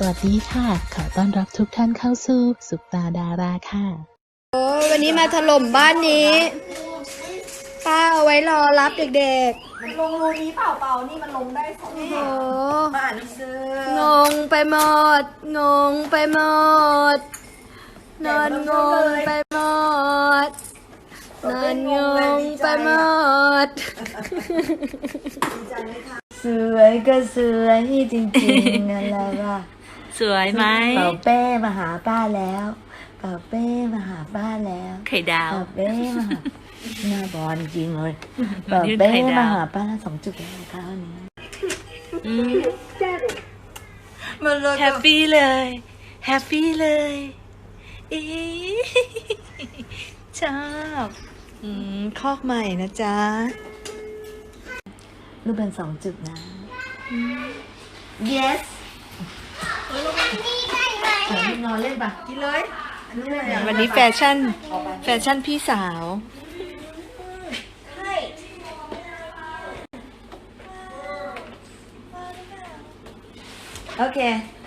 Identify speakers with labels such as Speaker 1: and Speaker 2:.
Speaker 1: วัสดีค่ะขอต้อนรับทุกท่านเข้าสู่ซุปตาดาราค่ะ
Speaker 2: โอ้วันนี้มาถล่มบ้านนี้ป้าเอาไว้รอรับเด็กๆ
Speaker 3: มันลงรูนี้เปล่านี่มันลงได้สอง
Speaker 2: โอ้โห
Speaker 3: มาอ่านหนังสือง
Speaker 2: งไปหมดงงไปหมดนอนงงไปหมดนอนงงไปหมด
Speaker 3: สวยก็สวยจริงๆนั่นแหละว่า
Speaker 1: สวยไหม
Speaker 3: เป่าเป้มาหาป้าแล้วเป่าเป้มาหาป้าแล้ว
Speaker 1: ไข่ดาว
Speaker 3: เป่าเป้มาหาหน้าบอลจริงเลยเป่าเป้มาหาป้า2 จุดแล้วคราวนี้มันเลย
Speaker 1: แฮปปี้เลยแฮปปี้เลยอีชอบคอกใหม่นะจ๊ะ
Speaker 3: รูปเป็น2 จุดนะ yes นอนเล่นปะกินเลยอันนี้เลย
Speaker 1: วันนี้แฟชั่นพี่สาว
Speaker 3: โอเค